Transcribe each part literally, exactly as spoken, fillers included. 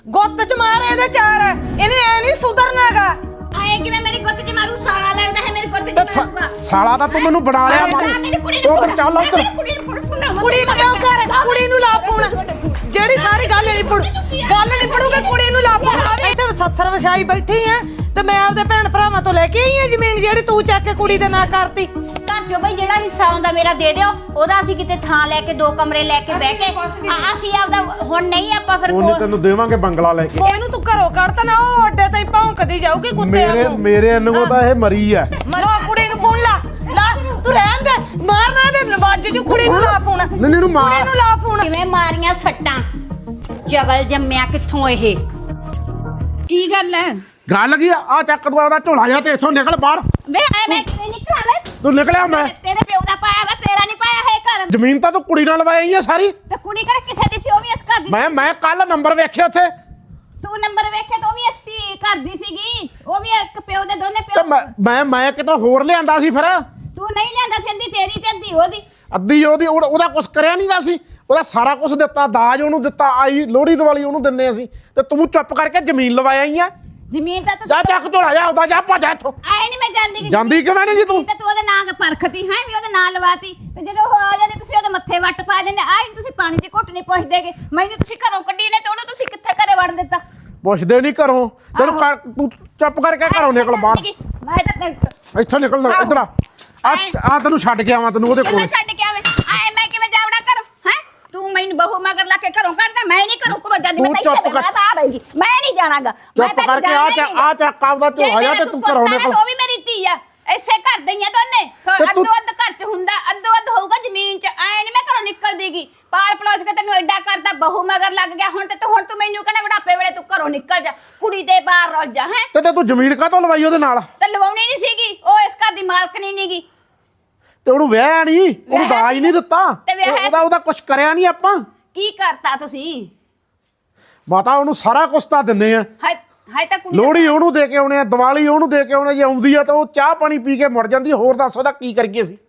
ਗੁੱਤ ਚ ਮਾਰ ਇਹਦੇ ਚਾਰ ਇਹਨੇ ਐ ਨਹੀਂ ਸੁਧਰਨਾਗਾ। ਆਏ ਕਿਵੇਂ ਮੇਰੀ ਗੁੱਤ ਚ ਮਾਰੂ? ਸਾਲਾ ਲੱਗਦਾ ਹੈ ਮੇਰੀ ਗੁੱਤ ਚ ਮਾਰੂਗਾ। ਸਾਲਾ ਤਾਂ ਤੂੰ ਮੈਨੂੰ ਬਣਾ ਲਿਆ ਮਾਰ। ਉਧਰ ਚੱਲ ਉਧਰ। ਕੁੜੀ ਨੂੰ ਕਿਉਂ ਕਰ ਕੁੜੀ ਨੂੰ ਲਾ ਫੋਨ ਜਿਹੜੀ ਸਾਰੀ ਗੱਲ ਨਹੀਂ ਪੜੂ ਗੱਲ ਨਹੀਂ ਪੜੂਗੀ ਕੁੜੀ ਨੂੰ ਲਾ ਫੋਨ। ਇੱਥੇ ਸੱਥਰ ਵਛਾਈ ਬੈਠੀ ਐ ਤੇ ਮੈਂ ਆਪਦੇ ਭੈਣ ਭਰਾਵਾਂ ਤੋਂ ਲੈ ਕੇ ਆਈ ਆ ਜ਼ਮੀਨ ਜਿਹੜੀ ਤੂੰ ਚੱਕ ਕੇ ਕੁੜੀ ਦੇ ਨਾਂ ਕਰਤੀ। ਘਰ ਚੋਂ ਬਈ ਜਿਹੜਾ ਹਿੱਸਾ ਆਉਂਦਾ ਮੇਰਾ ਦੇ ਦਿਓ। ਉਹਦਾ ਅਸੀਂ ਕਿਤੇ ਥਾਂ ਲੈ ਕੇ ਦੋ ਕਮਰੇ ਲੈ ਕੇ ਬਹਿ ਕੇ ਅਸੀਂ ਆਪਦਾ ਹੁਣ ਨਹੀਂ ਆਪਾਂ ਫਿਰ ਉਹਨੇ ਤੈਨੂੰ ਦੇਵਾਂਗੇ ਬੰਗਲਾ ਲੈ ਕੇ। ਇਹਨੂੰ ਤੂੰ ਘਰੋਂ ਕੱਢਤਾ ਨਾ ਉਹ ਅੱਡੇ ਤੇ ਭੌਂਕਦੀ ਜਾਊਗੀ ਕੁੱਤੇ ਮੇਰੇ ਵਾਂਗੂ। ਮੇਰੇ ਅਨਗੋ ਤਾਂ ਇਹ ਮਰੀ ਐ। ਮਰੋ ਕੁੜੀ ਨੂੰ ਫੋਨ ਲਾ ਲਾ ਤੂੰ ਰਹਿਣ ਦੇ ਮਾਰਨਾ ਦੇ ਨਵਾਜ ਜੂ ਕੁੜੀ ਨੂੰ ਲਾ ਫੋਨ ਨਹੀਂ ਇਹਨੂੰ ਮਾਰ ਕੁੜੀ ਨੂੰ ਲਾ ਫੋਨ। ਕਿਵੇਂ ਮਾਰੀਆਂ ਸੱਟਾਂ? ਜਗਲ ਜੰਮਿਆ ਕਿੱਥੋਂ ਇਹ? ਕੀ ਗੱਲ ਹੈ? ਗੱਲ ਕੀ ਆ ਆ ਚੱਕ ਦਵਾ ਉਹਦਾ ਝੋਲਾ ਜਾ ਤੇ ਇੱਥੋਂ ਨਿਕਲ ਬਾਹਰ। ਵੇ ਐ ਮੈਂ ਕਿਵੇਂ ਨਿਕਲਾਂ ਵੇ? ਤੂੰ ਨਿਕਲਿਆ ਮੈਂ ਤੇਰੇ ਪਿਓ ਦਾ ਪਾਇਆ ਵਾ ਤੇਰਾ ਨਹੀਂ ਪਾਇਆ ਹੈ ਘਰ। ਜ਼ਮੀਨ ਤਾਂ ਤੂੰ ਕੁੜੀ ਨਾਲ ਲਵਾਈ ਆ ਸਾਰੀ। ਤੇ ਕੁੜੀ ਕਿਹੜਾ ਕਿਸੇ ਦੀ ਸੀ? ਉਹ ਵੀ ਇਸ ਘਰ ਦੀ। ਮੈਂ ਮੈਂ ਕੱਲ ਨੰਬਰ ਵੇਖਿਆ ਉੱਥੇ ਤੂੰ ਨੰਬਰ ਵੇਖੇ ਤਾਂ ਉਹ ਵੀ ਇਸ ਘਰ ਦੀ ਸੀਗੀ। ਉਹ ਵੀ ਇੱਕ ਪਿਓ ਦੇ ਦੋਨੇ ਤੇ ਪਿਓ। ਮੈਂ ਮੈਂ ਮੈਂ ਕਿਤੋਂ ਹੋਰ ਲਿਆਂਦਾ ਸੀ ਫਿਰ। ਤੂੰ ਨਹੀਂ ਲਿਆਂਦਾ ਸੀ ਅੱਧੀ ਤੇਰੀ ਤੇ ਅੱਧੀ ਉਹਦੀ। ਅੱਧੀ ਉਹਦੀ ਉਹ- ਉਹਦਾ ਕੁਝ ਕਰਿਆ ਨਹੀਂਗਾ ਸੀ। ਉਹਦਾ ਸਾਰਾ ਕੁਝ ਦਿੱਤਾ ਦਾਜ ਉਹਨੂੰ ਦਿੱਤਾ ਆਈ ਲੋਹੜੀ ਦੀਵਾਲੀ ਉਹਨੂੰ ਦਿੰਨੇ ਅਸੀਂ ਤੇ ਤੂੰ ਚੁੱਪ ਕਰਕੇ ਜ਼ਮੀਨ ਲਵਾਇਆ ਹੀ ਆ। ਜ਼ਮੀਨ ਤਾਂ ਤੂੰ ਜਾ ਚੱਕ ਝੋਲਾ ਜਾ ਉਹਦਾ ਜਾ ਭੱਜ ਇੱਥੋਂ। ਆਏ ਨਹੀਂ ਮੈਂ ਜਾਂਦੀ। ਜਾਂਦੀ ਕਿਵੇਂ ਨਹੀਂ ਜੀ ਤੂੰ? ਤੇ ਤੂੰ ਉਹਦੇ ਨਾਂ ਪਰਖਤੀ ਹੈ ਵੀ ਉਹਦੇ ਨਾਂ ਲਵਾਤੀ ਤੇ ਜਦੋਂ ਉਹ ਆ ਜਾਂਦੇ ਤੁਸੀਂ ਉਹਦੇ ਮੱਥੇ ਵੱਟ ਪਾ ਜਾਂਦੇ। ਆਏ ਨੀ ਤੁਸੀਂ ਪਾਣੀ ਦੀ ਘੁੱਟ ਨਹੀਂ ਪੁੱਛਦੇਗੇ। ਮੈਨੂੰ ਤੁਸੀਂ ਘਰੋਂ ਕੱਢੀ ਨੇ ਤੇ ਉਹਨੂੰ ਤੁਸੀਂ ਕਿੱਥੇ ਘਰੇ ਵੜ ਦਿੱਤਾ? ਪੁੱਛਦੇ ਨਹੀਂ ਘਰੋਂ ਤੈਨੂੰ ਕਰ- ਤੂੰ ਚੁੱਪ ਕਰਕੇ ਘਰੋਂ ਨਿਕਲ ਬਾਹਰ। ਮੈਂ ਤਾਂ ਇੱਥੋਂ ਨਿਕਲ ਇੱਧਰ ਆ ਆ ਆ ਤੈਨੂੰ ਛੱਡ ਕੇ ਆਵਾਂ ਤੈਨੂੰ ਉਹਦੇ ਕੋਲ। ਕਿਵੇਂ ਛੱਡ ਕੇ ਆਵੇਂ? ਆਏ ਮੈਂ ਕਿਵੇਂ ਜਾਵੜਾ ਕਰ ਹੈ? ਤੂੰ ਮੈਨੂੰ ਬਹੂ ਮਗਰ ਲਾ ਕੇ ਘਰੋਂ ਕੱਢਦਾ। ਮੈਂ ਨਹੀਂ ਘਰੋਂ ਘਰੋਂ ਜਾਂਦੀ। ਮੈਂ ਤਾਂ ਤੂੰ ਇੱਥੇ ਚੁੱਪ ਕਰ। ਮੈਂ ਤਾਂ ਆ ਰਹੀ ਮੈਂ ਨਹੀਂ ਜਾਣਾਗਾ। ਚੁੱਪ ਕਰਕੇ ਆ ਚੱਕ ਆ ਚੱਕ ਆਪਦਾ ਝੋਲਾ ਜਾ ਤੇ ਤੂੰ ਘਰੋਂ ਨਿਕਲ। ਉਹ ਵੀ ਮੇਰੀ ਧੀ ਆ। ਐਸੇ ਘਰ ਦਈਆਂ ਦੋਨੇ ਅੱਧੋ ਅੱਧ ਘਰ ਚ ਹੁੰਦਾ ਅੱਧੋ ਅੱਧ ਹੋਊਗਾ ਜ਼ਮੀਨ ਚ। ਐ ਨਹੀਂ ਮੈਂ ਘਰੋਂ ਨਿਕਲ ਦੇਗੀ। ਪਾਲ ਪਲੋਸ ਕੇ ਤੈਨੂੰ ਐਡਾ ਕਰਦਾ ਬਹੂ ਮਗਰ ਲੱਗ ਗਿਆ ਹੁਣ ਤੇ ਤੂੰ ਹੁਣ ਤੂੰ ਮੈਨੂੰ ਕਹਿੰਦਾ ਬੁਢਾਪੇ ਵੇਲੇ ਤੂੰ ਘਰੋਂ ਨਿਕਲ ਜਾ ਕੁੜੀ ਦੇ ਬਾਹਰ ਰੁੱਲ ਜਾ ਹੈ। ਤੇ ਤੂੰ ਜ਼ਮੀਨ ਕਾਹਤੋਂ ਲਵਾਈ ਉਹਦੇ ਨਾਲ? ਤੇ ਲਵਾਉਣੀ ਨਹੀਂ ਸੀਗੀ। ਉਹ ਇਸ ਘਰ ਦੀ ਮਾਲਕਣੀ ਨਹੀਂਗੀ। ਤੇ ਉਹਨੂੰ ਵਿਆਹ ਨਹੀਂ ਉਹਨੂੰ ਦਾਜ ਨਹੀਂ ਦਿੱਤਾ। ਉਹਦਾ ਉਹਦਾ ਕੁਝ ਕਰਿਆ ਨਹੀਂ ਆਪਾਂ। ਕੀ ਕਰਤਾ ਤੁਸੀਂ? ਮਾਤਾ ਉਹਨੂੰ ਸਾਰਾ ਕੁਝ ਤਾਂ ਦਿੰਨੇ ਆ। ਹਾਏ ਹਾਏ ਤਾਂ ਕੁੜੀ ਲੋਹੜੀ ਉਹਨੂੰ ਦੇ ਕੇ ਆਉਣੇ ਆ ਦੀਵਾਲੀ ਉਹਨੂੰ ਦੇ ਕੇ ਆਉਣੇ ਜੇ ਆਉਂਦੀ ਆ ਤਾਂ ਉਹ ਚਾਹ ਪਾਣੀ ਪੀ ਕੇ ਮੁੜ ਜਾਂਦੀ। ਹੋਰ ਦੱਸ ਉਹਦਾ ਕੀ ਕਰੀਏ ਅਸੀਂ?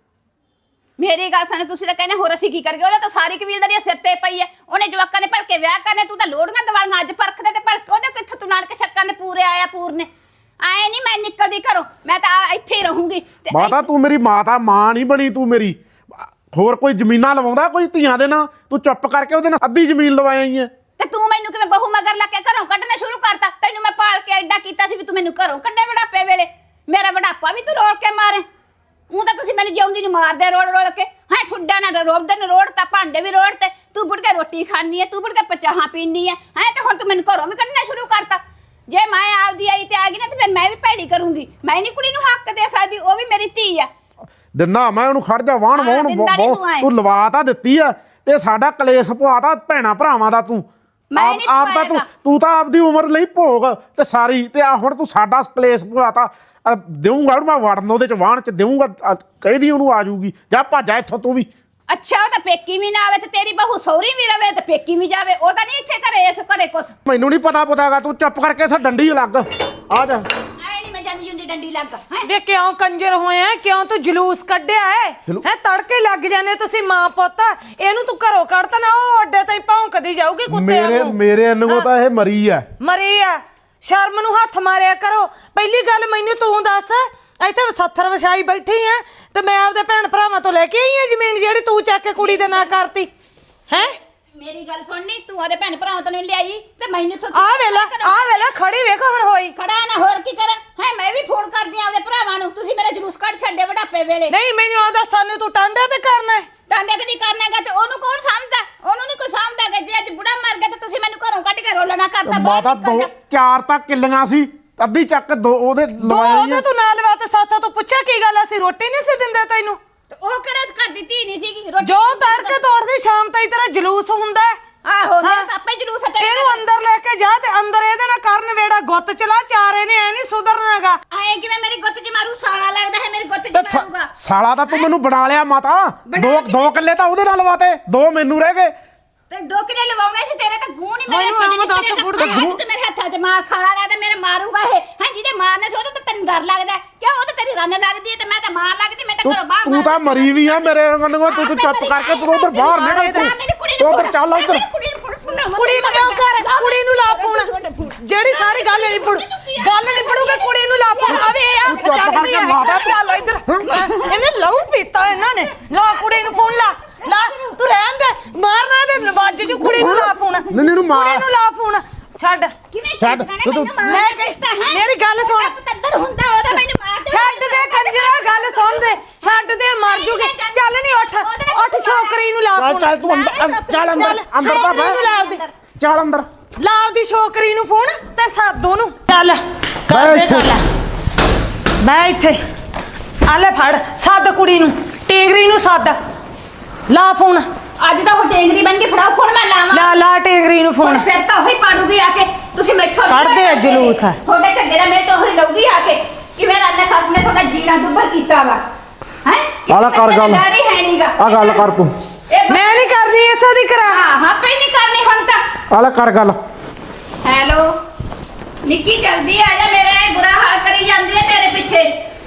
ਮੇਰੀ ਗੱਲ ਸੁਣ ਤੁਸੀਂ ਤਾਂ ਕਹਿੰਦੇ ਹੋਰ ਅਸੀਂ ਕੀ ਕਰਗੇ? ਉਹਦਾ ਤਾਂ ਸਾਰੀ ਕਬੀਲਦਾਰੀ ਸਿਰ ਤੇ ਪਈ ਐ। ਉਹਨੇ ਜਵਾਕਾਂ ਨੇ ਭਲਕੇ ਵਿਆਹ ਕਰਨੇ। ਤੂੰ ਤਾਂ ਲੋੜੀਆਂ ਦਵਾਈਆਂ ਅੱਜ ਪਰਖਦੇ ਤੇ ਭਲਕੇ ਉਹਦੇ ਕਿੱਥੋਂ ਤੂੰ ਨਾਲ ਕੇ ਸ਼ੱਕਾਂ ਦੇ ਪੂਰੇ ਆਇਆ ਪੂਰਨੇ। ਆਏ ਨਹੀਂ ਮੈਂ ਨਿਕਲਦੀ ਘਰੋਂ। ਮੈਂ ਤਾਂ ਇੱਥੇ ਹੀ ਰਹੂੰਗੀ। ਮਾਤਾ ਤੂੰ ਮੇਰੀ ਮਾਤਾ ਮਾਂ ਨਹੀਂ ਬਣੀ ਤੂੰ ਮੇਰੀ। ਹੋਰ ਕੋਈ ਜ਼ਮੀਨਾਂ ਲਵਾਉਂਦਾ ਕੋਈ ਧੀਆਂ ਦੇ ਨਾਲ? ਤੂੰ ਚੁੱਪ ਕਰਕੇ ਉਹਦੇ ਨਾਲ ਅੱਧੀ ਜ਼ਮੀਨ ਲਵਾਈ ਆ। ਤੇ ਤੂੰ ਮੈਨੂੰ ਕਿਵੇਂ ਬਹੂ ਮਗਰ ਲਾ ਕੇ ਘਰੋਂ ਕੱਢਣਾ ਸ਼ੁਰੂ ਕਰਤਾ? ਤੈਨੂੰ ਮੈਂ ਪਾਲ ਕੇ ਐਡਾ ਕੀਤਾ ਸੀ ਵੀ ਤੂੰ ਮੈਨੂੰ ਘਰੋਂ ਕੱਢੇ ਬੁਢਾਪੇ ਵੇਲੇ। ਮੇਰਾ ਬੁਢਾਪਾ ਵੀ ਤੂੰ ਰੋੜ ਕੇ ਮਾਰੇ। ਉਹ ਤਾਂ ਤੁਸੀਂ ਮੈਨੂੰ ਜਿਉਂਦੀ ਨੂੰ ਮਾਰਦੇ ਰੋੜ ਰੋੜ ਕੇ। ਹਾਂ ਠੁੱਡਾ ਨਾ ਰੋੜਦੇ ਨੇ ਰੋੜ ਤਾਂ ਭਾਂਡੇ ਵੀ ਰੋੜ ਤੇ ਤੂੰ ਬੁੜ ਕੇ ਰੋਟੀ ਖਾਣੀ ਐ। ਤੂੰ ਬੁੜ ਕੇ ਪਚਾਹਾਂ ਪੀਣੀ ਐ ਹੈ ਤੇ ਹੁਣ ਤੂੰ ਮੈਨੂੰ ਘਰੋਂ ਵੀ ਕੱਢਣਾ ਸ਼ੁਰੂ ਕਰਤਾ। ਜੇ ਮੈਂ ਆਪਦੀ ਆਈ ਤੇ ਆ ਗਈ ਨਾ ਤੇ ਫਿਰ ਮੈਂ ਵੀ ਭੈੜੀ ਕਰੂੰਗੀ। ਮੈਂ ਨਹੀਂ ਕੁੜੀ ਨੂੰ ਹੱਕ ਦੇ ਸਕਦੀ। ਉਹ ਵੀ ਮੇਰੀ ਧੀ ਆ। ਦਿਨਾ ਮੈਂ ਉਹਨੂੰ ਖੜ ਜਾ ਵਾਹਣ ਵਾਹਣ ਤੂੰ ਲਵਾ ਤਾਂ ਦਿੱਤੀ ਆ ਤੇ ਸਾਡਾ ਕਲੇਸ਼ ਪਵਾਤਾ ਭੈਣਾ ਭਰਾਵਾਂ ਦਾ। ਤੂੰ ਆਪ ਆਪ ਤਾਂ ਤੂੰ ਤੂੰ ਤਾਂ ਆਪਦੀ ਉਮਰ ਲਈ ਭੋਗ ਤੇ ਸਾਰੀ ਤੇ ਆ ਹੁਣ ਤੂੰ ਸਾਡਾ ਕਲੇਸ਼ ਪਵਾਤਾ। ਦੇਊਂਗਾ ਮੈਂ ਵੜਨ ਉਹਦੇ ਚ ਵਾਹਣ ਚ ਦੇਊਂਗਾ। ਕਹਿਦੀ ਉਹਨੂੰ ਆ ਜਾਊਗੀ ਜਾ ਭੱਜਾ ਇੱਥੋਂ ਤੂੰ ਵੀ। ਅੱਛਾ ਉਹ ਤਾਂ ਪੇਕੀ ਵੀ ਨਾ ਆਵੇ ਤੇ ਤੇਰੀ ਬਹੂ ਸਹੁਰੀ ਵੀ ਰਵੇ ਤੇ ਪੇਕੀ ਵੀ ਜਾਵੇ। ਉਹ ਤਾਂ ਨਹੀਂ ਇੱਥੇ ਘਰੇ ਇਸ ਘਰੇ ਕੁਛ। ਮੈਨੂੰ ਨਹੀਂ ਪਤਾ ਪਤਾਗਾ। ਤੂੰ ਚੁੱਪ ਕਰਕੇ ਇੱਥੇ ਡੰਡੀ ਲੱਗ ਆ ਜਾ। ਐ ਨਹੀਂ ਮੈਂ ਜਾਂਦੀ ਜੁੰਦੀ ਡੰਡੀ ਲੱਗ ਹੈ। ਵੇ ਕਿਉਂ ਕੰਜਰ ਹੋਇਆ? ਕਿਉਂ ਤੂੰ ਜਲੂਸ ਕੱਢਿਆ ਹੈ? ਹੈ ਤੜਕੇ ਲੱਗ ਜਾਂਦੇ ਤੁਸੀਂ ਮਾਂ ਪੁੱਤ। ਇਹਨੂੰ ਤੂੰ ਘਰੋਂ ਕੱਢਤਾ ਨਾ ਉਹ ਅੱਡੇ ਤੇ ਭੌਂਕਦੀ ਜਾਊਗੀ ਕੁੱਤੇ ਮੇਰੇ ਵਾਂਗੂ। ਮੇਰੇ ਅਨਗੋ ਤਾਂ ਇਹ ਮਰੀ ਆ। ਮਰੀ ਆ। ਸ਼ਰਮ ਨੂੰ ਹੱਥ ਮਾਰਿਆ ਕਰੋ। ਪਹਿਲੀ ਗੱਲ ਮੈਨੂੰ ਤੂੰ ਦੱਸ ਇੱਥੇ ਸੱਥਰ ਵਛਾਈ ਬੈਠੀ ਐ ਤੇ ਮੈਂ ਆਪਦੇ ਭੈਣ ਭਰਾਵਾਂ ਤੋਂ ਲੈ ਕੇ ਆਈ ਆ ਜ਼ਮੀਨ ਜਿਹੜੀ ਤੂੰ ਚੱਕ ਕੇ ਕੁੜੀ ਦੇ ਨਾਂ ਕਰਤੀ ਹੈ। ਮੇਰੀ ਗੱਲ ਸੁਣਨੀ ਤੂੰ ਉਹਦੇ ਭੈਣ ਭਰਾਵਾਂ ਤੋਂ ਨਹੀਂ ਲਿਆਈ ਤੇ ਮੈਨੂੰ ਤੋਂ ਆ ਵੇਲਾ ਆ ਵੇਲਾ ਖੜੀ ਵੇਖੋ ਹੁਣ ਹੋਈ ਖੜਾ ਨਾ ਹੋਰ ਕੀ ਕਰਾਂ ਹੈ। ਮੈਂ ਵੀ ਫੋਨ ਕਰਦੀ ਆ ਉਹਦੇ ਭਰਾਵਾਂ ਨੂੰ। ਤੁਸੀਂ ਮੇਰਾ ਜਲੂਸ ਕੱਢ ਛੱਡੇ ਬੁਢਾਪੇ ਵੇਲੇ। ਨਹੀਂ ਮੈਨੂੰ ਆਦਾ ਸਾਨੂੰ ਤੂੰ ਟਾਂਡਾ ਤੇ ਕਰਨਾ ਹੈ। ਟਾਂਡੇ ਤੇ ਨਹੀਂ ਕਰਨਾਗਾ ਤੇ ਉਹਨੂੰ ਕੌਣ ਸਮਝਦਾ? ਉਹਨੂੰ ਨਹੀਂ ਕੋਈ ਸਮਝਦਾਗਾ। ਜੇ ਅੱਜ ਬੁੜਾ ਮਰ ਗਿਆ ਤੇ ਤੁਸੀਂ ਮੈਨੂੰ ਘਰੋਂ ਕੱਢ ਕੇ ਰੋਲਣਾ ਕਰਤਾ। ਮਾਤਾ ਦੋ ਚਾਰ ਤਾਂ ਕਿੱਲੀਆਂ ਸੀ ਅੱਧੀ ਚੱਕ ਦੋ ਉਹਦੇ ਲਵਾਇਆ ਉਹਦੇ ਤੂੰ ਨਾਲ ਲਵਾ ਤੇ ਸਾਥੋਂ ਤੂੰ ਪੁੱਛਿਆ ਕੀ ਗੱਲ? ਅਸੀਂ ਰੋਟੀ ਨਹੀਂ ਸੀ ਦਿੰਦੇ ਤੈਨੂੰ? ਉਹ ਕਿਹੜੇ ਘਰ ਦੀ ਧੀ ਨਹੀਂ ਸੀਗੀ? ਜੋ ਤੜਕੇ ਤੋੜਦੀ ਸ਼ਾਮ ਤਾਈਂ ਤੇਰਾ ਜਲੂਸ ਹੁੰਦਾ। ਆਹੋ ਮੇਰਾ ਤਾਂ ਆਪੇ ਜਲੂਸ ਹੈ। ਇਹਨੂੰ ਅੰਦਰ ਲੈ ਕੇ ਜਾ ਤੇ ਅੰਦਰ ਇਹਦੇ ਨਾਲ ਕਰਨ ਵੇੜਾ ਗੁੱਤ ਚਲਾ ਚਾਰੇ ਨੇ ਐ ਨਹੀਂ ਸੁਧਰਨਾਗਾ। ਆਏ ਕਿਵੇਂ ਮੇਰੀ ਗੁੱਤ 'ਚ ਮਾਰੂ? ਸਾਲਾ ਲੱਗਦਾ ਹੈ ਮੇਰੀ ਗੁੱਤ 'ਚ ਮਾਰੂਗਾ। ਸਾਲਾ ਤਾਂ ਤੂੰ ਮੈਨੂੰ ਬਣਾ ਲਿਆ ਮਾਤਾ। ਦੋ ਦੋ ਕਿੱਲੇ ਤਾਂ ਉਹਦੇ ਨਾਲ ਲਵਾਤੇ ਦੋ ਮੈਨੂੰ ਰਹਿ ਗਏ। ਤੇ ਦੋ ਕਿਲੇ ਲਵਾਉਣੇ ਸੀ ਤੇਰੇ ਤਾਂ ਗੂੰ ਨਹੀਂ ਮੇਰੇ ਮੈਨੂੰ ਆਮ ਦੱਸ ਗੁੜ ਤੇ ਮੇਰੇ ਹੱਥਾਂ 'ਚ ਮਾਰ ਸਾਲਾ ਲੱਗਦਾ ਮੇਰੇ ਮਾਰੂਗਾ ਇਹ ਹੈ। ਜਿਹਦੇ ਮਾਰਨੇ ਸੀ ਉਹਦਾ ਤਾਂ ਤੈਨੂੰ ਡਰ ਲੱਗਦਾ ਕਿਉਂ? ਉਹ ਤਾਂ ਤੇਰੀ ਰੰਨ ਲੱਗਦੀ ਹੈ ਤੇ ਮੈਂ ਤਾਂ ਮਾਂ ਲੱਗਦੀ। ਮੈਂ ਤਾਂ ਘਰੋਂ ਬਾਹਰ ਤੂੰ ਤਾਂ ਮਰੀ ਵੀ ਆ ਮੇਰੇ ਰੰਗੋ। ਤੂੰ ਚੁੱਪ ਕਰਕੇ ਤੂੰ ਉਧਰ ਬਾਹਰ ਨਿਕਲ। ਤੂੰ ਉਧਰ ਚੱਲ ਉਧਰ। ਕੁੜੀ ਨੂੰ ਕਿਉਂ ਕਰ ਕੁੜੀ ਨੂੰ ਲਾ ਫੋਨ ਜਿਹੜੀ ਸਾਰੀ ਗੱਲ ਨਹੀਂ ਪੜੂ ਗੱਲ ਨਹੀਂ ਪੜੂਗੇ ਕੁੜੀ ਨੂੰ ਲਾ ਫੋਨ ਆਵੇ ਆ ਚੱਕਦੀ ਆ ਚੱਲ ਇੱਧਰ ਇਹਨੇ ਲਹੂ ਪੀਤਾ ਇਹਨਾਂ ਨੇ ਲਾ ਕੁੜੀ ਨੂੰ ਫੋਨ ਲਾ ਲਾ ਤੂੰ ਰਹਿਣ ਦੇ ਮਾਰਨਾ ਤੇ ਨਵਾਜ ਜੂ ਕੁੜੀ ਨੂੰ ਲਾ ਫੋਨ ਨਹੀਂ ਇਹਨੂੰ ਮਾਰ ਕੁੜੀ ਨੂੰ ਲਾ ਫੋਨ ਛੱਡ ਛੱਡ ਤੂੰ ਮੈਂ ਮੇਰੀ ਗੱਲ ਸੁਣ ਪਤੰਦਰ ਹੁੰਦਾ ਉਹਦਾ ਮੈਨੂੰ ਮਾਰ ਦੇ ਛੱਡ ਦੇ ਕੰਜਰਾ ਗੱਲ ਸੁਣ ਦੇ ਛੱਡ ਦੇ ਮਰ ਜੂਗੇ ਚੱਲ ਨਹੀਂ ਉੱਠ ਉੱਠ ਛੋਕਰੀ ਨੂੰ ਲਾ ਚੱਲ ਫੋਨ ਚੱਲ ਤੂੰ ਅੰਦਰ ਚੱਲ ਅੰਦਰ ਅੰਦਰ ਤਾਂ ਛੋਕਰੀ ਨੂੰ ਲਾ ਉਹਦੀ ਚੱਲ ਅੰਦਰ ਲਾ ਉਹਦੀ ਛੋਕਰੀ ਨੂੰ ਫੋਨ ਤੇ ਸਾਦੋ ਨੂੰ ਚੱਲ ਬਹਿ ਕਰ ਦੇ ਇੱਥੇ। ਗੱਲ ਬੈ ਇੱਥੇ ਆ ਲੈ ਫੜ ਸੱਦ ਕੁੜੀ ਨੂੰ ਟੇਗਰੀ ਨੂੰ ਸੱਦ ਲਾ ਫੋਨ ਅੱਜ ਤਾਂ ਉਹ ਟੇਂਗਰੀ ਬਣ ਕੇ ਫੜਾਓ ਫੋਨ ਮੈਂ ਲਾਵਾਂ ਲਾ ਲਾ ਟੇਗਰੀ ਨੂੰ ਹੁਣ ਫੋਨ ਸਿਰ ਤਾਂ ਉਹੀ ਪਾੜੂਗੀ ਆ ਕੇ ਤੁਸੀਂ ਮੈਥੋਂ ਕੱਢਦੇ ਆ ਜਲੂਸ। ਤੁਹਾਡੇ ਝੱਗੇ ਦਾ ਮੇਰੇ ਤੋਂ ਉਹੀ ਲਊਗੀ ਆ ਕੇ ਕਿ ਮੇਰਾ ਅੱਲਾ ਖਸਮ ਨੇ ਤੁਹਾਡਾ ਜੀਣਾ ਦੁੱਬਰ ਕੀਤਾ ਵਾ ਹੈ ਆਲਾ ਕਰ ਗੱਲ ਡਰ ਹੈ ਨਹੀਂਗਾ ਆ ਗੱਲ ਕਰ ਤੂੰ ਮੈਂ ਨਹੀਂ ਕਰਦੀ ਇਸੇ ਦੀ ਕਰਾ ਹਾਂ ਹਾਂ ਪਈ ਨਹੀਂ ਕਰਨੀ ਹੁਣ ਤਾਂ ਆਲਾ ਕਰ ਗੱਲ ਹੈਲੋ ਨਿੱਕੀ ਜਲਦੀ ਆ ਜਾ ਮੇਰਾ ਇਹ ਬੁਰਾ ਹਾਲ ਕਰੀ ਜਾਂਦੀ ਹੈ ਤੇਰੇ ਪਿੱਛੇ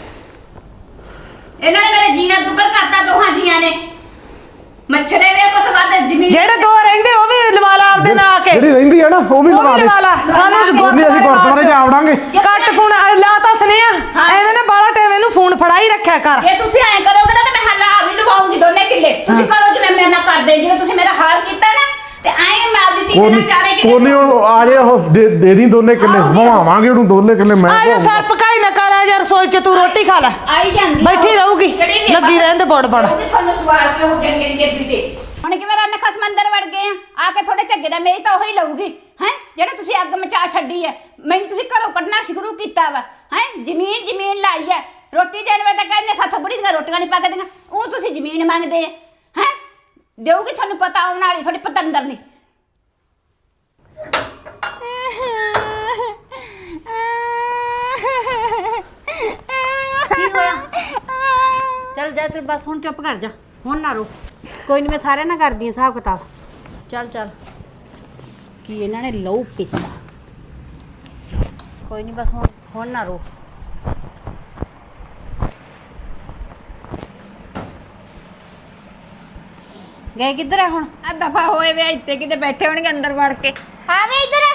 ਇਹਨਾਂ ਨੇ ਮੇਰੇ ਜੀਣਾ ਦੁੱਬਰ ਕਰਤਾ ਦੋਹਾਂ ਜੀਆਂ ਨੇ ਮੱਛਰੇ ਵੇ ਕੁਛ ਵੱਧ ਜ਼ਮੀਨ ਜਿਹੜੇ ਦੋ ਰਹਿੰਦੇ ਉਹ ਵੀ ਲਵਾ ਲਾ ਆਪਦੇ ਨਾਲ ਆ ਕੇ ਜਿਹੜੀ ਰਹਿੰਦੀ ਹੈ ਨਾ ਉਹ ਵੀ ਉਹ ਲਵਾ ਵੀ ਦੇ ਲਵਾ ਲਾ ਸਾਨੂੰ ਨਹੀਂ ਅਸੀਂ ਗੁਰਦੁਆਰੇ ਜਾ ਆਵਾਂਗੇ ਕੱਟ ਫੋਨ ਲਾ ਤਾਂ ਸੁਨੇਹਾ ਹਾਂ। ਐਵੇਂ ਨਾ ਬਾਲਾ ਟਾਈਮ ਇਹਨੂੰ ਫੋਨ ਫੜਾ ਹੀ ਰੱਖਿਆ ਕਰ ਜੇ ਤੁਸੀਂ ਐਂ ਕਰੋਗੇ ਨਾ ਤੇ ਮੈਂ ਹੱਲਾ ਵੀ ਲਵਾਉਂਗੀ ਦੋਨੇ ਕਿੱਲੇ ਤੁਸੀਂ ਕਰੋ ਜਿਵੇਂ ਮੇਰੇ ਨਾਲ ਕਰਦੇ ਜਿਵੇਂ ਤੁਸੀਂ ਮੇਰਾ ਹਾਲ ਕੀਤਾ ਨਾ ਤੇ ਐਂ ਮੈਂ ਆਪਦੀ ਧੀ ਨਾਲ ਚਾਰੇ ਕਿੱਲੇ ਕੋਨੀ ਉਹ ਆ ਜੇ ਉਹ ਦੇ ਦੇ ਦੀ ਦੋਨੇ ਕਿੱਲੇ ਭਵਾਵਾਂਗੇ ਉਹਨੂੰ ਦੋਨੇ ਕਿੱਲੇ ਮੈਂ ਆ ਜਾ ਸਰ ਪਕਾਈ ਨਾ ਕਰ ਆ ਜਾ ਰਸੋਈ ਚ ਤੂੰ ਰੋਟੀ ਖਾ ਲੈ ਆਈ ਜਾਂਦੀ ਆ ਬੈਠੀ ਉਹ। ਰਹੂਗੀ, ਜਿਹੜੀ ਵੀ ਲੱਗੀ ਰਹਿਣ ਦੇ ਬੜ ਬੜ। ਉਹਦੀ ਤੁਹਾਨੂੰ ਸਵਾਲ ਕੇ ਉਹ ਗਿਣ ਗਿਣ ਕੇ ਦਿੱਤੇ ਹੁਣ ਕਿਵੇਂ ਰੰਨ ਖਸਮ ਅੰਦਰ ਵੜ ਗਏ ਆ ਆ ਕੇ ਤੁਹਾਡੇ ਝੱਗੇ ਦਾ ਮੇਰੀ ਤਾਂ ਉਹੀ ਲਊਗੀ ਹੈ ਜਿਹੜਾ ਤੁਸੀਂ ਅੱਗ ਮਚਾ ਛੱਡੀ ਹੈ ਮੈਨੂੰ ਤੁਸੀਂ ਘਰੋਂ ਕੱਢਣਾ ਸ਼ੁਰੂ ਕੀਤਾ ਵਾ ਹੈ ਜ਼ਮੀਨ ਜ਼ਮੀਨ ਲਾਈ ਹੈ ਰੋਟੀ ਦੇਣ ਵੇ ਤਾਂ ਕਹਿੰਦੇ ਸਾਥੋਂ ਬੁੜੀ ਦੀਆਂ ਰੋਟੀਆਂ ਨਹੀਂ ਪੱਕਦੀਆਂ ਉਹ ਤੁਸੀਂ ਜ਼ਮੀਨ ਮੰਗਦੇ ਆ ਹੈ ਦੇਊਗੀ ਤੁਹਾਨੂੰ ਪਤਾ ਆਉਣ ਵਾਲੀ ਤੁਹਾਡੀ ਪਤੰਦਰ ਨਹੀਂ ਕੀ ਹੋਇਆ ਚੱਲ ਜਾ ਤੇ ਬਸ ਹੁਣ ਚੁੱਪ ਕਰ ਜਾ ਹੁਣ ਨਾ ਰੋ ਕੋਈ ਨਹੀਂ ਮੈਂ ਸਾਰਿਆਂ ਨਾਲ ਕਰਦੀ ਹਾਂ ਹਿਸਾਬ ਕਿਤਾਬ ਚੱਲ ਚੱਲ ਕੀ ਇਹਨਾਂ ਨੇ ਲਹੂ ਪੀਤਾ ਕੋਈ ਨਹੀਂ ਬਸ ਹੁਣ ਹੁਣ ਨਾ ਰੋ ਗਏ ਕਿੱਧਰ ਆ ਹੁਣ ਆ ਦਫਾ ਹੋਏ ਵੇ ਇੱਥੇ ਕਿਤੇ ਬੈਠੇ ਹੋਣਗੇ ਅੰਦਰ ਵੜ ਕੇ ਹਾਂ ਵੇ ਇੱਧਰ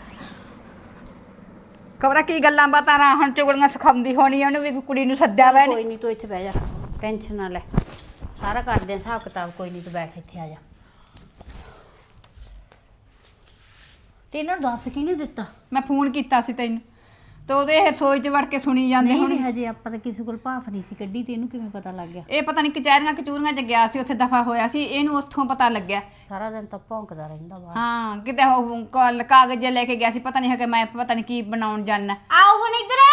ਕਬਰਾ ਕੀ ਗੱਲਾਂ ਬਾਤਾਂ ਰਾਂ ਹੁਣ ਚੁਗਲੀਆਂ ਸਿਖਾਉਂਦੀ ਹੋਣੀ ਉਹਨੂੰ ਵੀ ਕੁੜੀ ਨੂੰ ਸੱਦਿਆ ਵਾ ਕੋਈ ਨਹੀਂ ਤੂੰ ਇੱਥੇ ਬਹਿ ਜਾ ਟੈਨਸ਼ਨ ਨਾ ਲੈ ਸਾਰਾ ਕਰਦੇ ਆ ਹਿਸਾਬ ਕਿਤਾਬ ਕੋਈ ਨਹੀਂ ਤੂੰ ਬੈਠ ਇੱਥੇ ਆ ਜਾ ਤੇ ਇਹਨਾਂ ਨੂੰ ਦੱਸ ਕਿਹਨੇ ਦਿੱਤਾ ਮੈਂ ਫੋਨ ਕੀਤਾ ਸੀ ਤੈਨੂੰ ਤੇ ਉਹਦੇ ਇਹ ਰਸੋਈ 'ਚ ਵੜ ਕੇ ਸੁਣੀ ਜਾਂਦੇ ਨਹੀਂ ਹੁਣ ਨਹੀਂ ਹਜੇ ਆਪਾਂ ਤਾਂ ਕਿਸੇ ਕੋਲ ਭਾਫ ਨਹੀਂ ਸੀ ਕੱਢੀ ਤੇ ਇਹਨੂੰ ਕਿਵੇਂ ਪਤਾ ਲੱਗ ਗਿਆ ਇਹ ਪਤਾ ਨਹੀਂ ਕਚਹਿਰੀਆਂ ਕਚੂਰੀਆਂ 'ਚ ਗਿਆ ਸੀ ਉੱਥੇ ਦਫਾ ਹੋਇਆ ਸੀ ਇਹਨੂੰ ਉੱਥੋਂ ਪਤਾ ਲੱਗਿਆ ਸਾਰਾ ਦਿਨ ਤਾਂ ਭੌਂਕਦਾ ਰਹਿੰਦਾ ਬਾਹਰ ਹਾਂ ਕਿਤੇ ਉਹ ਕਾਲ- ਕਾਗਜ਼ ਜਿਹੇ ਲੈ ਕੇ ਗਿਆ ਸੀ ਪਤਾ ਨਹੀਂ ਹੈ ਕਿ ਮੈਂ ਪਤਾ ਨਹੀਂ ਕੀ ਬਣਾਉਣ ਜਾਣਾ ਆਓ ਹੁਣ ਇੱਧਰ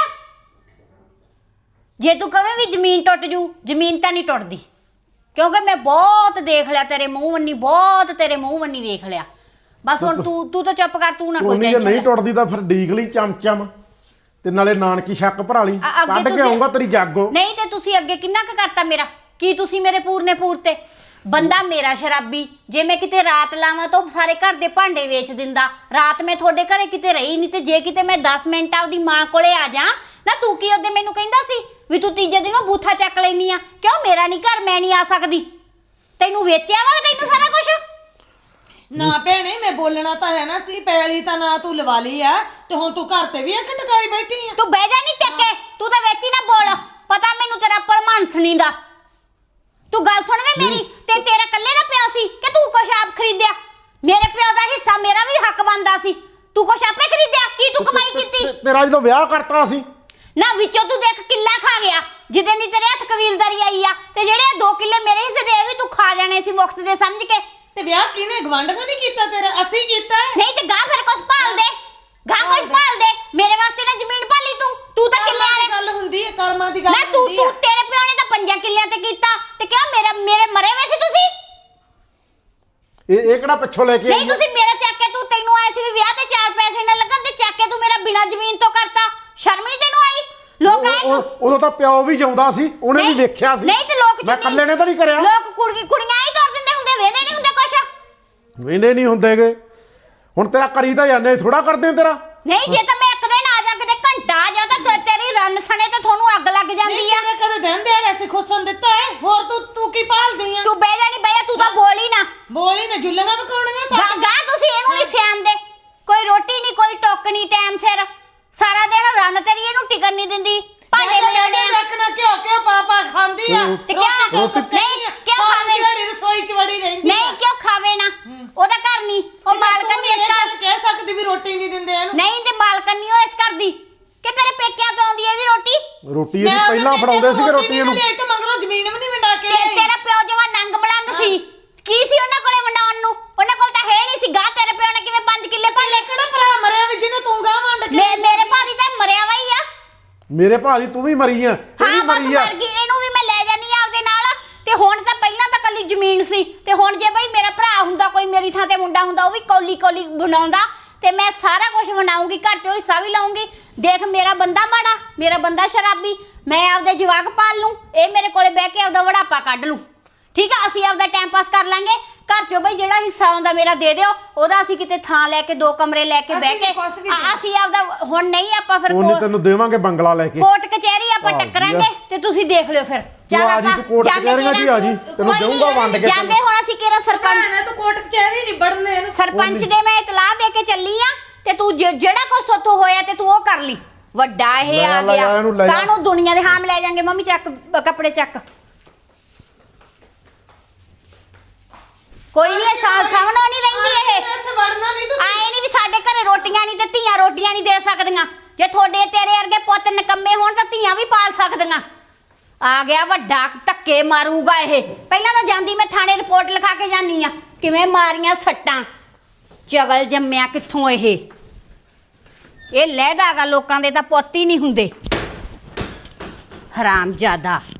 ਜੇ ਤੂੰ ਕਵੇਂ ਵੀ ਜ਼ਮੀਨ ਟੁੱਟ ਜੂ ਜ਼ਮੀਨ ਤਾਂ ਨਹੀਂ ਟੁੱਟਦੀ ਕਿਉਂਕਿ ਮੈਂ ਬਹੁਤ ਦੇਖ ਲਿਆ ਤੇਰੇ ਮੂੰਹ ਵੰਨੀ ਬਹੁਤ ਤੇਰੇ ਮੂੰਹ ਵੰਨੀ ਵੇਖ ਲਿਆ ਬਸ ਹੁਣ ਤੂੰ ਤੂੰ ਤਾਂ ਚੁੱਪ ਕਰ ਤੂੰ ਨਾ ਕੋਈ ਕੋਨੀ ਜੇ ਟੈਨਸ਼ਨ ਨਹੀਂ ਟੁੱਟਦੀ ਤਾਂ ਫਿਰ ਡੀਕ ਲਈ ਚਮਚਮ ਤੇ ਨਾਲੇ ਨਾਨਕੀ ਸ਼ੱਕ ਭਰਾ ਲਈ ਅ- ਅੱਗੇ ਕੱਢ ਕੇ ਤੁਸੀਂ- ਆਉਂਗਾ ਤੇਰੀ ਜਾਗੋ ਨਹੀਂ ਤੇ ਤੁਸੀਂ ਅੱਗੇ ਕਿੰਨਾ ਕੁ ਕਰਤਾ ਮੇਰਾ ਕੀ ਤੁਸੀਂ ਮੇਰੇ ਪੂਰਨੇ ਪੂਰ ਤੇ ਬੰਦਾ ਮੇਰਾ ਸ਼ਰਾਬੀ ਜੇ ਮੈਂ ਕਿਤੇ ਰਾਤ ਲਾਵਾਂ ਤਾਂ ਉਹ ਸਾਰੇ ਘਰ ਦੇ ਭਾਂਡੇ ਵੇਚ ਦਿੰਦਾ ਰਾਤ ਮੈਂ ਤੁਹਾਡੇ ਘਰੇ ਕਿਤੇ ਰਹੀ ਨਹੀਂ ਤੇ ਜੇ ਕਿਤੇ ਮੈਂ ਦਸ ਮਿੰਟ ਆਪਦੀ ਮਾਂ ਕੋਲੇ ਆ ਜਾ ਨਾ ਤੂੰ ਕੀ ਉਹਦੇ ਮੈਨੂੰ ਕਹਿੰਦਾ ਸੀ ਵੀ ਤੂੰ ਤੀਜੇ ਦਿਨੋਂ ਬੂਥਾ ਚੱਕ ਲੈਨੀ ਆ ਕਿਉਂ ਮੇਰਾ ਨਹੀਂ ਘਰ ਮੈਂ ਨਹੀਂ ਆ ਸਕਦੀ ਤੈਨੂੰ ਵੇਚਿਆ ਵਾ ਤੈਨੂੰ ਸਾਰਾ ਕੁਝ ਨਾ ਭੈਣੇ ਮੈਂ ਬੋਲਣਾ ਤਾਂ ਹੈ ਨਾ ਸੀ ਪੈਲੀ ਤਾਂ ਨਾ ਤੂੰ ਲਵਾ ਲਈ ਆ ਤੇ ਹੁਣ ਤੂੰ ਘਰ ਤੇ ਵੀ ਅੱਖ ਟਕਾਈ ਬੈਠੀ ਆ ਤੂੰ ਬਹਿ ਜਾ ਨਹੀਂ ਟੱਕੇ ਤੂੰ ਤਾਂ ਵਿੱਚ ਹੀ ਨਾ ਬੋਲ ਪਤਾ ਮੈਨੂੰ ਤੇਰਾ ਭਲਮਾਨਸਣੀ ਦਾ ਤੂੰ ਗੱਲ ਸੁਣ ਵੇ ਮੇਰੀ ਤੇ ਤੇਰਾ ਕੱਲੇ ਦਾ ਪਿਓ ਸੀ ਕਿ ਤੂੰ ਕੁਛ ਆਪ ਖਰੀਦਿਆ ਮੇਰੇ ਪਿਓ ਦਾ ਹਿੱਸਾ ਮੇਰਾ ਵੀ ਹੱਕ ਬਣਦਾ ਸੀ ਤੂੰ ਕੁਛ ਆਪੇ ਖਰੀਦਿਆ ਕੀ ਤੂੰ ਕਮਾਈ ਕੀਤੀ ਤੇ- ਤੇਰਾ ਜਦੋਂ ਵਿਆਹ ਕਰਤਾ ਸੀ ਨਾ ਵਿੱਚੋਂ ਤੂੰ ਦੇਖ ਕਿੱਲਾ ਖਾ ਗਿਆ ਜਿਹਦੇ ਨਹੀਂ ਤੇਰੇ ਹੱਥ ਕਬੀਲਦਾਰੀ ਆਈ ਆ ਤੇ ਜਿਹੜੇ ਦੋ ਕਿੱਲੇ ਮੇਰੇ ਹਿੱਸੇ ਦੇ ਵੀ ਤੂੰ ਖਾ ਜਾਣੇ ਸੀ ਮੁਫਤ ਦੇ ਸਮਝ ਕੇ ਤੇ ਵਿਆਹ ਕਿਹਨੇ ਗਵੰਡ ਦਾ ਨਹੀਂ ਕੀਤਾ ਤੇਰਾ ਅਸੀਂ ਕੀਤਾ ਨਹੀਂ ਤੇ ਗਾਂ ਫਿਰ ਕੁਛ ਭਾਲ ਦੇ ਗਾਂ ਕੁਛ ਭਾਲ ਦੇ ਮੇਰੇ ਵਾਸਤੇ ਨਾ ਜ਼ਮੀਨ ਭਾਲੀ ਤੂੰ ਤੂੰ ਤਾਂ ਕਿੱਲੇ ਵਾਲੇ ਗੱਲ ਹੁੰਦੀ ਹੈ ਕਰਮਾਂ ਦੀ ਗੱਲ ਨਾ ਤੂੰ ਹੁੰਦੀ ਤੂੰ ਹੈ ਤੇਰੇ ਪਿਓ ਨੇ ਤਾਂ ਪੰਜਾਂ ਕਿੱਲਿਆਂ ਤੇ ਕੀਤਾ ਤੇ ਕਿਉਂ ਮੇਰਾ ਮੇਰੇ ਮਰੇ ਹੋਏ ਸੀ ਤੁਸੀਂ ਇਹ ਇਹ ਕਿਹੜਾ ਪਿੱਛੋਂ ਲੈ ਕੇ ਨਹੀਂ ਆਈ ਆ? ਤੁਸੀਂ ਮੇਰਾ ਚੱਕ ਕੇ ਤੂੰ ਤੈਨੂੰ ਆਏ ਸੀ ਵੀ ਵਿਆਹ ਤੇ ਚਾਰ ਪੈਸੇ ਨਾ ਲੱਗਣ ਤੇ ਚੱਕ ਕੇ ਤੂੰ ਮੇਰਾ ਬਿਨਾ ਜ਼ਮੀਨ ਤੋਂ ਕਰਤਾ ਸ਼ਰਮ ਨਹੀਂ ਤੈਨੂੰ ਆਈ ਲੋਕ ਆਏ ਉਹ- ਉਹ- ਉਦੋਂ ਤਾਂ ਪਿਓ ਵੀ ਜਾਉਂਦਾ ਸੀ ਉਹਨੇ ਵੀ ਨਹੀਂ- ਵੇਖਿਆ ਸੀ ਨਹੀਂ ਤੇ ਲੋਕ ਮੈਂ ਚੁੰਨੀ- ਇਕੱਲੇ ਨੇ ਤਾਂ ਨਹੀਂ ਕਰਿਆ ਲੋਕ ਕੁੜੀ ਕੁੜੀਆਂ ਹੀ ਤੋਰ ਦਿੰਦੇ ਹੁੰਦੇ ਵੇਂਦੇ ਨਹੀਂ ਹੁੰਦੇ ਕੁਛ ਵੇਂਦੇ ਨਹੀਂ ਹੁੰਦੇਗੇ ਹੁਣ ਤੇਰਾ ਕਰੀ ਤਾਂ ਜਾਂਦੇ ਥੋੜਾ ਕਰਦੇ ਤੇਰਾ ਨਹੀਂ ਜੇ ਤਾਂ ਮੈਂ ਇੱਕ ਦਿਨ ਆ ਜਾ ਕਿਤੇ ਘੰਟਾ ਆ ਜਾ ਤਾਂ ਤੇ- ਤੇਰੀ ਰੰਨ ਸਣੇ ਤੇ ਤੁਹਾਨੂੰ ਅੱਗ ਲੱਗ ਜਾਂਦੀ ਆ ਤੇਰੇ ਕਦੇ ਦਿੰਦੇ ਆ ਵੈਸੇ ਖੁਸਨ ਦਿੱਤਾ ਹੈ ਹੋਰ ਤੂੰ ਤੂੰ ਕੀ ਭਾਲਦੀ ਆ ਤੂੰ ਬਹਿ ਜਾ ਨਹੀਂ ਬਹਿ ਜਾ ਤੂੰ ਤਾਂ ਬੋਲ ਹੀ ਨਾ ਬੋਲੀ ਨਾ ਜੁੱਲੀਆਂ ਪਕਾਉਣੀਆਂ ਗਾ ਗਾ ਤੁਸੀਂ ਇਹਨੂੰ ਨਹੀਂ ਸਿਆਣਦੇ ਕੋਈ ਰੋਟੀ ਨਹੀਂ ਕੋਈ ਟੁੱਕ ਨਹੀਂ ਟਾਈਮ ਸਿਰ ਸਾਰਾ ਦਿਨ ਰੰਨ ਤੇਰੀ ਇਹਨੂੰ ਟਿਕਣ ਨਹੀਂ ਦਿੰਦੀ ਭਾਂਡੇ ਬਣਾਉਣੇ ਆ ਰੱਖਣਾ ਕਿਉਂ ਕਿਉਂ ਪਾਪਾ ਖਾਂਦੀ ਆ ਤੇ ਕਿਉਂ ਨਹੀਂ ਕਿਉਂ ਖਾਵੇ ਜਿਹੜੀ ਰਸੋਈ ਚ ਵੜੀ ਰਹਿੰਦੀ ਨਹੀਂ ਕਿਉਂ ਖਾਵੇ ਨਾ ਉਹਦਾ ਘਰ ਨਹੀਂ ਉਹ ਮਾਲਕਨ ਨਹੀਂ ਇਸ ਘਰ ਕਹਿ ਸਕਦੀ ਵੀ ਰੋਟੀ ਨਹੀਂ ਦਿੰਦੇ ਇਹਨੂੰ ਨਹੀਂ ਤੇ ਮਾਲਕਨ ਨਹੀਂ ਉਹ ਇਸ ਘਰ ਦੀ ਕਿ ਤੇਰੇ ਪੇਕਿਆਂ ਤੋਂ ਆਉਂਦੀ ਹੈ ਇਹਦੀ ਰੋਟੀ ਰੋਟੀ ਇਹਦੀ ਪਹਿਲਾਂ ਫੜਾਉਂਦੇ ਸੀਗੇ ਰੋਟੀ ਇਹਨੂੰ ਤੇ ਇੱਥੇ ਮਗਰੋਂ ਜ਼ਮੀਨ ਵੀ ਨਹੀਂ ਵੰਡਾ ਕੇ ਤੇ ਤੇਰਾ ਪਿਓ ਜਵਾ ਨੰਗ ਬਲੰਗ ਸੀ ਕੀ ਸੀ ਉਹਨਾਂ ਕੋਲੇ ਵੰਡਾਉਣ ਨੂੰ ਉਹਨਾਂ ਕੋਲ ਤਾਂ ਹੈ ਨਹੀਂ ਸੀ ਗਾ ਤੇਰੇ ਪਿਓ ਨੇ ਕਿਵੇਂ ਪੰਜ ਕਿੱਲੇ ਪਾਲੇ ਕਿਹੜਾ ਭਰਾ ਮਰਿਆ ਵੀ ਜਿਹਨੂੰ ਤੂੰ ਗਾਂ ਵੰਡ ਕੇ ਮੇ ਮੇਰੇ ਭਾਜੀ ਤਾਂ ਮਰਿਆ ਵਾ ਹੀ ਆ ਮੇਰੇ ਭਾਜੀ ਤੂੰ ਵੀ ਮਰੀ ਆ ਇਹ ਵੀ ਹਾਂ ਬਸ ਮਰੀ ਆ ਮਰ ਗਈ ਇਹਨੂੰ ਵੀ ਮੈਂ ਲੈ ਜਾਨੀ ਆ ਆਪਦੇ ਨਾਲ ਤੇ ਹੁਣ ਤਾਂ ਪਹਿਲਾਂ ਤਾਂ ਕੱਲੀ ਜ਼ਮੀਨ ਸੀ ਤੇ ਹੁਣ ਜੇ ਬਈ ਮੇਰਾ ਭਰਾ ਹੁੰਦਾ ਕੋਈ ਮੇਰੀ ਥਾਂ ਤੇ ਮੁੰਡਾ ਹੁੰਦਾ ਉਹ ਵੀ ਕੌਲੀ ਕੌਲੀ ਬਣਾਉਂਦਾ ਤੇ ਮੈਂ ਸਾਰਾ ਕੁਝ ਬਣਾਉਂਗੀ ਘਰ ਚੋਂ ਹਿੱਸਾ ਵੀ ਲਾਉਂਗੀ ਦੇਖ ਮੇਰਾ ਬੰਦਾ ਮਾੜਾ ਮੇਰਾ ਬੰਦਾ ਸ਼ਰਾਬੀ ਮੈਂ ਆਪਦੇ ਜਵਾਕ ਪਾਲ ਲੂੰ ਇਹ ਮੇਰੇ ਕੋਲੇ ਬਹਿ ਕੇ ਆਪਦਾ ਵੜਾਪਾ ਕੱਢ ਲੂੰ ਠੀਕ ਆ ਅਸੀਂ ਆਪਦਾ ਟਾਈਮ ਪਾਸ ਕਰ ਲਾਂਗੇ ਘਰ ਚੋਂ ਬਈ ਜਿਹੜਾ ਹਿੱਸਾ ਆਉਂਦਾ ਮੇਰਾ ਦੇ ਦਿਓ ਉਹਦਾ ਅਸੀਂ ਕਿਤੇ ਥਾਂ ਲੈ ਕੇ ਦੋ ਕਮਰੇ ਲੈ ਕੇ ਬਹਿ ਕੇ ਆ- ਅਸੀਂ ਆਪਦਾ ਹੁਣ ਨਹੀਂ ਆਪਾਂ ਫਿਰ ਉਹਨੇ ਕੋਰਟ- ਤੈਨੂੰ ਦੇਵਾਂਗੇ ਬੰਗਲਾ ਲੈ ਕੇ ਕੋਰਟ ਕਚਹਿਰੀ ਆਪਾਂ ਆ ਟੱਕਰਾਂਗੇ ਤੇ ਤੁਸੀਂ ਦੇਖ ਲਿਓ ਫਿਰ ਤੂੰ ਆ ਜੀ, ਤੂੰ ਕੋਰਟ ਜਾਂਦੇ ਕਚਹਿਰੀਆਂ 'ਚ ਹੀ ਆ ਜੀ, ਤੈਨੂੰ ਕੋਈ ਨੀ, ਦੇਊਂਗਾ ਵੰਡ ਕੇ ਜਾਂਦੇ ਹੁਣ ਅਸੀਂ ਕਿਹੜਾ ਸਰਪੰਚ ਭੈਣੇ ਤੂੰ ਕੋਰਟ ਕਚਹਿਰੀ ਨਹੀਂ ਵੜਨੇ ਇਹਨੂੰ ਸਰਪੰਚ ਦੇ ਮੈਂ ਇਤਲਾਹ ਦੇ ਕੇ ਚੱਲੀ ਆ ਤੇ ਤੂੰ ਜਿ- ਜਿਹੜਾ ਕੁਛ ਸੋਤੋਂ ਹੋਇਆ ਤੇ ਤੂੰ ਉਹ ਕਰ ਲਈ ਵੱਡਾ ਇਹ ਲੈ ਆ ਲੈ ਗਿਆ ਇਹਨੂੰ ਲੈ ਜਾ। ਕਾਹਨੂੰ ਦੁਨੀਆ ਦੇ ਹਾਮ ਲੈ ਜਾਾਂਗੇ ਮੰਮੀ ਚੱਕ ਬ- ਕੱਪੜੇ ਚੱਕ ਕੋਈ ਨਹੀਂ ਸਾਹਮਣੋਂ ਨਹੀਂ ਰਹਿੰਦੀ ਇਹ ਇੱਥੇ ਵੜਨਾ ਨਹੀਂ ਤੂੰ ਆਏ ਨਹੀਂ ਵੀ ਸਾਡੇ ਘਰੇ ਰੋਟੀਆਂ ਨਹੀਂ ਤੇ ਧੀਆਂ ਰੋਟੀਆਂ ਨਹੀਂ ਦੇ ਸਕਦੀਆਂ ਜੇ ਤੁਹਾਡੇ ਤੇਰੇ ਵਰਗੇ ਪੁੱਤ ਨਿਕੰਮੇ ਹੋਣ ਤਾਂ ਧੀਆਂ ਵੀ ਪਾਲ ਸਕਦੀਆਂ ਆ ਗਿਆ ਵੱਡਾ ਧੱਕੇ ਮਾਰੂਗਾ ਇਹ ਪਹਿਲਾਂ ਤਾਂ ਜਾਂਦੀ ਮੈਂ ਥਾਣੇ ਰਿਪੋਰਟ ਲਿਖਾ ਕੇ ਜਾਨੀ ਆ ਕਿਵੇਂ ਮਾਰੀਆਂ ਸੱਟਾਂ ਚਗਲ ਜੰਮਿਆ ਕਿੱਥੋਂ ਇਹ ਇਹ ਲਹਿਦਾਗਾ ਲੋਕਾਂ ਦੇ ਤਾਂ ਪੁੱਤ ਹੀ ਨਹੀਂ ਹੁੰਦੇ ਹਰਾਮਜ਼ਾਦਾ